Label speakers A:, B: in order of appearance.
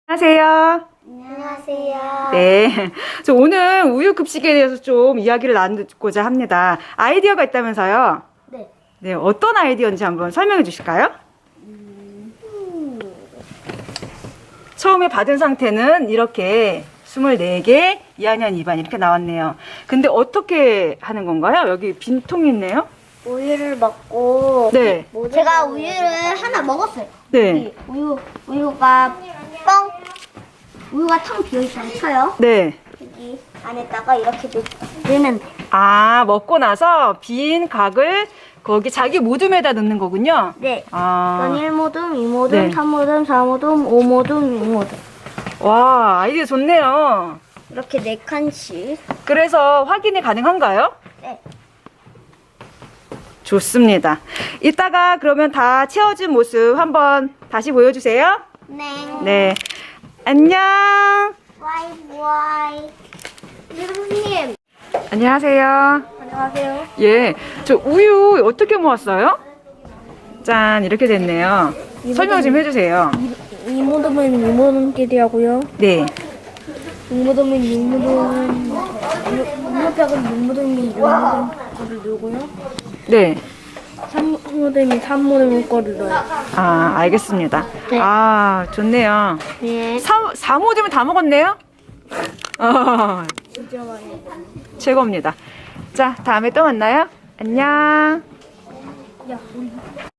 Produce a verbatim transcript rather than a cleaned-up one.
A: 안녕하세요.
B: 안녕하세요.
A: 네. 저 오늘 우유 급식에 대해서 좀 이야기를 나누고자 합니다. 아이디어가 있다면서요?
B: 네.
A: 네, 어떤 아이디어인지 한번 설명해 주실까요?
B: 음.
A: 처음에 받은 상태는 이렇게 스물네 개, 이 학년 이 반 이렇게 나왔네요. 근데 어떻게 하는 건가요? 여기 빈통이 있네요.
B: 우유를 먹고
A: 네.
B: 제가 우유를 하나 먹었어요.
A: 네.
B: 이 우유 우유가 뻥 우유가 텅 비어 있다고 쳐요.
A: 네.
B: 여기 안에다가 이렇게 넣, 넣으면 돼.
A: 아, 먹고 나서 빈 각을 거기 자기 모둠에다 넣는 거군요.
B: 네.
A: 아.
B: 이건 일 모둠, 이 모둠,
A: 네.
B: 삼 모둠, 사 모둠, 오 모둠, 육 모둠.
A: 와, 아이디어 좋네요.
B: 이렇게 네 칸씩.
A: 그래서 확인이 가능한가요?
B: 네.
A: 좋습니다. 이따가 그러면 다 채워진 모습 한번 다시 보여주세요.
B: 네.
A: 네. 안녕.
B: 와이 와이. 선생님.
A: 안녕하세요.
B: 안녕하세요.
A: 예. 저 우유 어떻게 모았어요? 짠, 이렇게 됐네요. 설명 좀 해주세요.
B: 이 모둠은 이 모둠끼리 하고요.
A: 네.
B: 육 모둠은 육 모둠, 육모작은 육 모둠이 육 모둠 거를 넣고요.
A: 네.
B: 삼 모둠이 삼 모둠 거를 넣어요.
A: 아, 알겠습니다.
B: 네.
A: 아, 좋네요.
B: 네.
A: 사, 사모듬을 다 먹었네요? 어,
B: 진짜 많이.
A: 최고입니다. 자, 다음에 또 만나요. 안녕.
B: 야, 우리.